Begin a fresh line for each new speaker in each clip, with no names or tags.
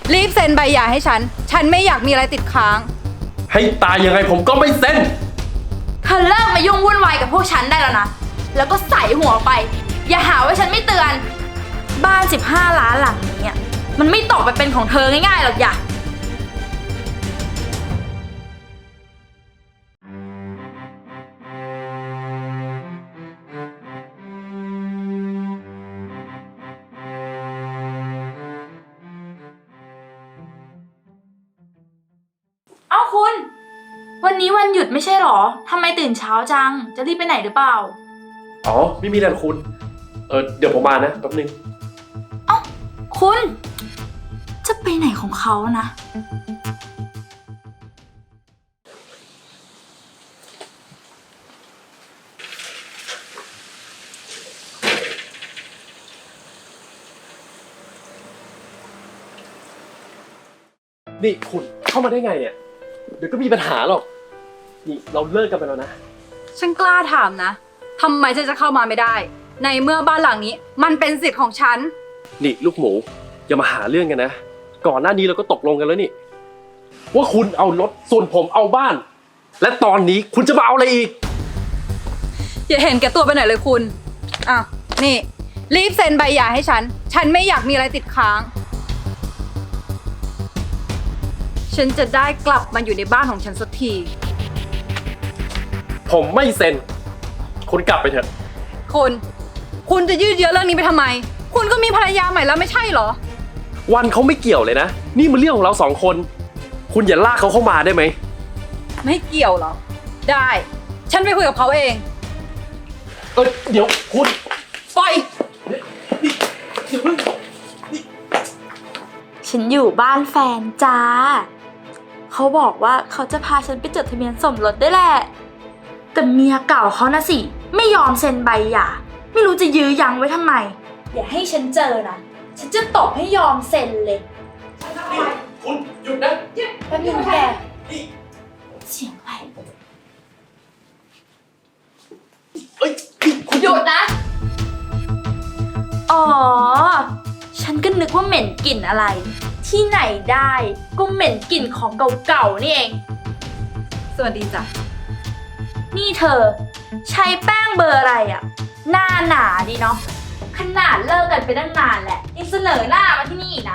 รีบเซ็นใบหย่าให้ฉัน ฉันไม่อยากมีอะไรติดค้าง
ให้ตายยังไงผมก็ไม่เซ็น
เธอเลิกมายุ่งวุ่นวายกับพวกฉันได้แล้วนะ แล้วก็ใส่หัวไป อย่าหาว่าฉันไม่เตือน บ้าน15 ล้านหลังนี้อะมันไม่ตกไปเป็นของเธอง่ายๆหรอกอย่าเอ้าคุณ วันนี้วันหยุดไม่ใช่หรอ ทำไมตื่นเช้าจัง จะรีบไปไหนหรือเปล่า
อ๋อไม่มีอะไรหรอกคุณ เดี๋ยวผมมานะแป๊บนึง
คุณ จะไปไหนของเขานะ
นี่คุณเข้ามาได้ไงเนี่ย เดี๋ยวก็มีปัญหาหรอก นี่เราเลิกกันไปแล้วนะ
ฉันกล้าถามนะทำไมฉันจะเข้ามาไม่ได้ ในเมื่อบ้านหลังนี้มันเป็นสิทธิ์ของฉัน
นี่ลูกหมูอย่ามาหาเรื่องกันนะ ก่อนหน้านี้เราก็ตกลงกันแล้วนี่ ว่าคุณเอารถส่วนผมเอาบ้าน และตอนนี้คุณจะมาเอาอะไรอีก
อย่าเห็นแก่ตัวไปหน่อยเลยคุณอ่ะนี่รีบเซ็นใบหย่าให้ฉัน ฉันไม่อยากมีอะไรติดค้าง ฉันจะได้กลับมาอยู่ในบ้านของฉันสักที
ผมไม่เซ็น คุณกลับไปเถอะ
คุณจะยืดเยื้อเรื่องนี้ไปทำไม คุณก็มีภรรยาใหม่แล้วไม่ใช่เหรอ
วันเขาไม่เกี่ยวเลยนะ นี่มันเรื่องของเราสองคน คุณอย่าลากเขาเข้ามาได้ไหม
ไม่เกี่ยวเหรอ ได้ ฉันไปคุยกับเขาเอง
เดี๋ยวคุณ
ปล่อย
อย่าเพิ่ง
ฉันอยู่บ้านแฟนจ้า เขาบอกว่าเขาจะพาฉันไปจดทะเบียนสมรสด้วยแหละ แต่เมียเก่าเขานะสิ ไม่ยอมเซ็นใบหย่า ไม่รู้จะยื้อยั้งไว้ทำไม อย่าให้ฉันเจอนะ ฉันจะตบให้ยอมเซ็นเลย
นี่คุณหยุดนะ
แป๊บนึงแก เสียงอะไร
คุณ
หยุดนะ อ๋อ ฉันก็นึกว่าเหม็นกลิ่นอะไร ที่ไหนได้ก็เหม็นกลิ่นของเก่าๆนี่เอง
สวัสดีจ้ะ
นี่เธอ ใช้แป้งเบอร์อะไรอะหน้าหนาดีเนาะ ขนาดเลิกกันไปตั้งนานแหละยังเสนอหน้ามาที่นี่อีกนะ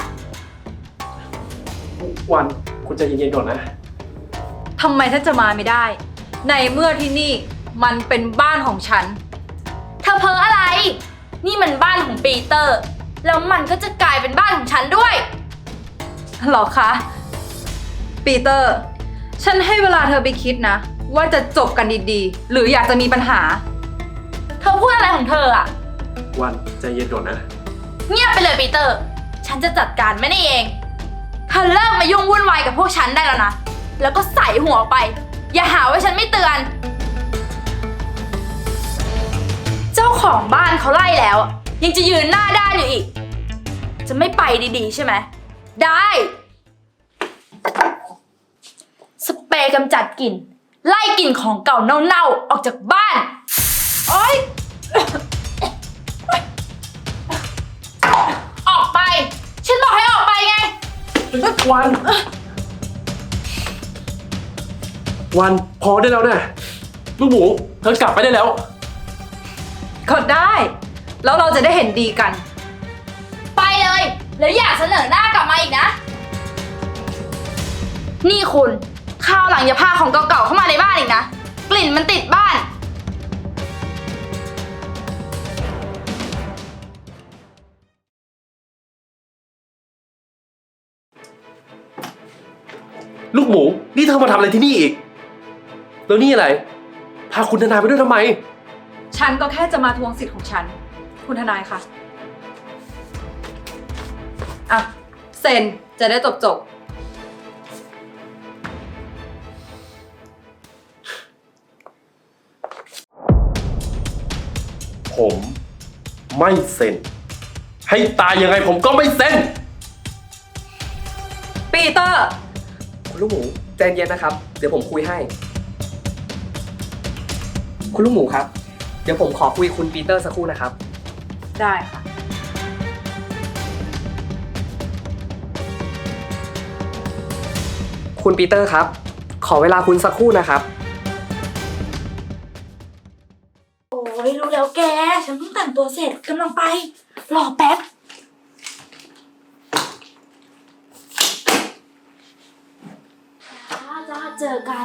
วันคุณใจเย็นๆก่อนนะ
ทำไมฉันจะมาไม่ได้ ในเมื่อที่นี่มันเป็นบ้านของฉัน
เธอเพ้ออะไร นี่มันบ้านของปีเตอร์ แล้วมันก็จะกลายเป็นบ้านของฉันด้วย
หรอคะ ปีเตอร์ ฉันให้เวลาเธอไปคิดนะ ว่าจะจบกันดีๆ หรืออยากจะมีปัญหา
เธอพูดอะไรของเธออะ
วันใจเย็นก่อนนะ
เงียบไปเลยปีเตอร์ ฉันจะจัดการไม่ได้เอง เธอเลิกมายุ่งวุ่นวายกับพวกฉันได้แล้วนะ แล้วก็ใส่หัวไป อย่าหาว่าฉันไม่เตือน เจ้าของบ้านเขาไล่แล้ว ยังจะยืนหน้าด้านอยู่อีก จะไม่ไปดีๆใช่ไหม ได้ สเปรย์กำจัดกลิ่น ไล่กลิ่นของเก่าเน่าๆออกจากบ้าน โอ๊ย ออกไป ฉันบอกให้ออกไปไง
วัน วันพอได้แล้วนะลูกหมูเธอกลับไปได้แล้ว
ก็ได้ แล้วเราจะได้เห็นดีกัน
ไปเลย แล้วอย่าเสนอหน้ากลับมาอีกนะ นี่คุณคราวหลังอย่าพาของเก่าๆเข้ามาในบ้านอีกนะ กลิ่นมันติดบ้าน
ลูกหมูนี่เธอมาทำอะไรที่นี่อีก แล้วนี่อะไร พาคุณธนาไปด้วยทำไม
ฉันก็แค่จะมาทวงสิทธิ์ของฉัน คุณทนายคะอ่ะ เซ็นจะได้จบ
ผมไม่เซ็น ให้ตายยังไงผมก็ไม่เซ็น
ปีเตอร์
คุณลูกหมูใจเย็นนะครับ เดี๋ยวผมคุยให้ คุณลูกหมูครับ เดี๋ยวผมขอคุยคุณปีเตอร์สักครู่นะครับ
ได้ค่ะ
คุณปีเตอร์ครับ ขอเวลาคุณสักครู่นะครับ
โอ้ยรู้แล้วแก ฉันเพิ่งแต่งตัวเสร็จกำลังไป รอแป๊บจ้าเจอกัน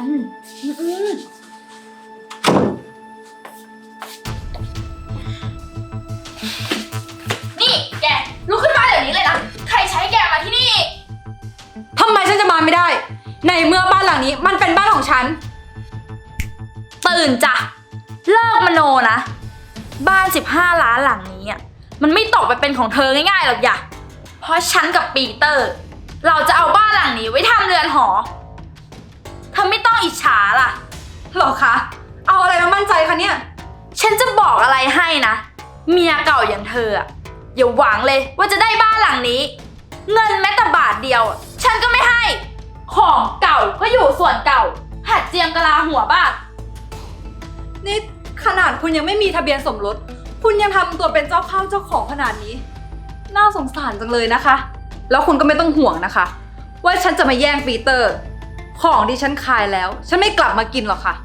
นี่แกลุกขึ้นมาเดี๋ยวนี้เลยนะ ใครใช้แกมาที่นี่
ทำไมฉันจะมาไม่ได้ ในเมื่อบ้านหลังนี้มันเป็นบ้านของฉัน
ตื่นจ้ะ เลิกมโนนะ บ้าน15 ล้านหลังนี้อ่ะมันไม่ตกไปเป็นของเธอง่ายๆหรอกอย่าเพราะฉันกับปีเตอร์ เราจะเอาบ้านหลังนี้ไว้ทำเรือนหอเธอไม่ต้องอิจฉาล่ะ
หรอคะ เอาอะไรมามั่นใจคะเนี่ย
ฉันจะบอกอะไรให้นะ เมียเก่าอย่างเธออะอย่าหวังเลยว่าจะได้บ้านหลังนี้ เงินแม้แต่บาทเดียวอะฉันก็ไม่ให้ ของเก่าก็อยู่ส่วนเก่า หัดเจียมกะลาหัวบ้าง
นี่ขนาดคุณยังไม่มีทะเบียนสมรส คุณยังทำตัวเป็นเจ้าเข้าเจ้าของขนาดนี้ น่าสงสารจังเลยนะคะ แล้วคุณก็ไม่ต้องห่วงนะคะ ว่าฉันจะมาแย่งปีเตอร์ ของที่ฉันขายแล้ว ฉันไม่กลับมากินหรอกค่ะ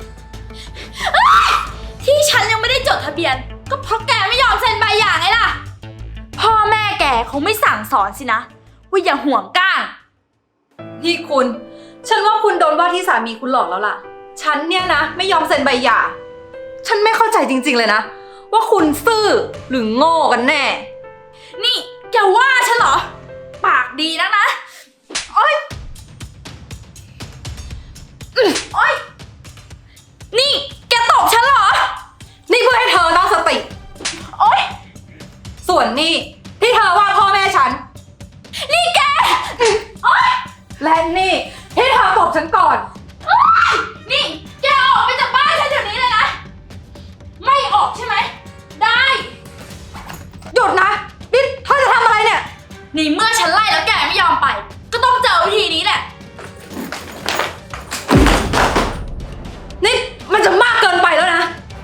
ที่ฉันยังไม่ได้จดทะเบียน ก็เพราะแกไม่ยอมเซ็นใบหย่าไงล่ะ พ่อแม่แกคงไม่สั่งสอนสินะ ว่าอย่าห่วงก้าง
นี่คุณ ฉันว่าคุณโดนว่าที่สามีคุณหลอกแล้วล่ะ ฉันเนี่ยนะไม่ยอมเซ็นใบหย่า ฉันไม่เข้าใจจริงๆเลยนะ ว่าคุณซื่อหรือโง่กันแน่
นี่แกว่าฉันเหรอ ปากดีนักนะโอ๊ยโอ๊ยนี่แกตบฉันเหรอ
นี่เพื่อให้เธอตั้งสติ
โอ๊ย
ส่วนนี่ที่เธอว่าพ่อแม่ฉัน
นี่แกโอ๊ย
และนี่ที่เธอตบฉันก่อน
โอ๊ยนี่แกออกไปจากบ้านฉันเดี๋ยวนี้เลยนะ ไม่ออกใช่ไหม ได้
หยุดนะ นี่เธอจะทำอะไรเนี่ย
นี่เมื่อฉันไล่แล้วแกไม่ยอมไป ก็ต้องเจอวิธีนี้แหละ
นี่มันจะมากเกินไปแล้วนะ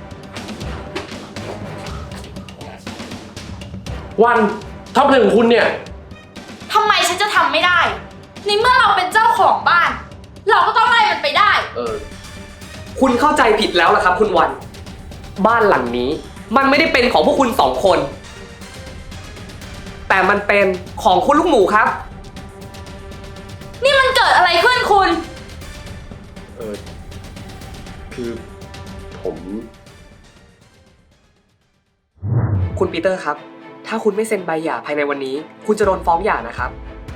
วันทำอะไรของคุณเนี่ย
ทำไมฉันจะทำไม่ได้ ในเมื่อเราเป็นเจ้าของบ้าน เราก็ต้องไล่มันไปได้
คุณเข้าใจผิดแล้วล่ะครับ คุณวัน บ้านหลังนี้ มันไม่ได้เป็นของพวกคุณ2 คน แต่มันเป็นของคุณลูกหมูครับ
นี่มันเกิดอะไรขึ้นคุณ
คือผม
คุณปีเตอร์ครับ ถ้าคุณไม่เซ็นใบหย่าภายในวันนี้ คุณจะโดนฟ้องหย่านะครับ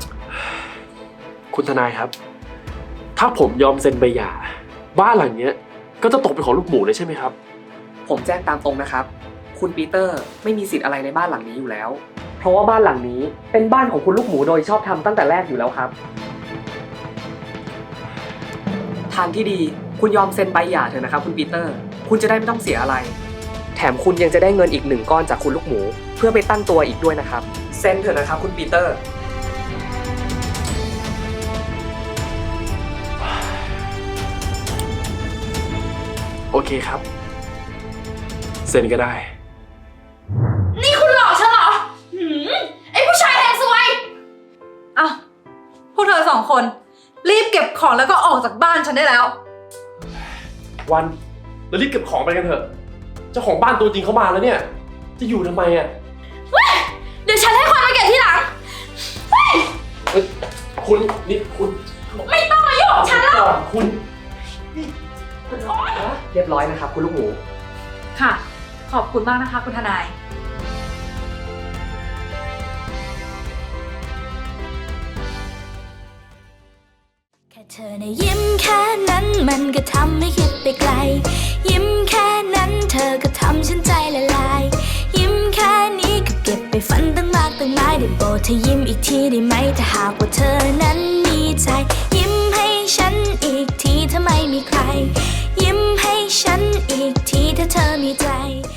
คุณทนายครับ ถ้าผมยอมเซ็นใบหย่าบ้านหลังเนี้ยก็จะตกเป็นของลูกหมูเลยใช่ไหมครับ
ผมแจ้งตามตรงนะครับ คุณปีเตอร์ไม่มีสิทธิ์อะไรในบ้านหลังนี้อยู่แล้ว เพราะว่าบ้านหลังนี้เป็นบ้านของคุณลูกหมูโดยชอบทำตั้งแต่แรกอยู่แล้วครับ ทางที่ดีคุณยอมเซ็นใบหย่าเถอะนะครับคุณปีเตอร์ คุณจะได้ไม่ต้องเสียอะไร แถมคุณยังจะได้เงินอีก1 ก้อนจากคุณลูกหมู เพื่อไปตั้งตัวอีกด้วยนะครับเซ็นเถอะนะครับคุณปีเตอร์
โอเคครับ เซ็นก็ได้
นี่คุณหลอกฉันเหรอไอ้ผู้ชายแห่งซวย
เอ้าพวกเธอ2 คน รีบเก็บของแล้วก็ออกจากบ้านฉันได้แล้ว
วันเรารีบเก็บของไปกันเถอะ เจ้าของบ้านตัวจริงเขามาแล้วเนี่ย จะอยู่ทำไมอ่ะ
เดี๋ยวฉันให้คนมาเก็บทีหลัง
คุณนี่คุณ
ไม่ต้องมายุ่งกับฉันแล้ว
ก่อนคุณ
เรียบร้อยนะครับคุณลูกหมู
ค่ะ ขอบคุณมากนะคะคุณทนาย
แค่เธอในะยิ้มแค่นั้นมันก็ทำให้คิดไปไกล ยิ้มแค่นั้นเธอก็ทำฉันใจละลาย ยิ้มแค่นี้ก็เก็บไปฝันตั้งมากตั้งหลายได้โปรดเธอยิ้มอีกทีได้ไหมถ้าหากว่าเธอนั้นมีใจ ยิ้มให้ฉันอีกทีถ้าไม่มีใคร ยิ้มให้ฉันอีกทีถ้าเธอมีใจ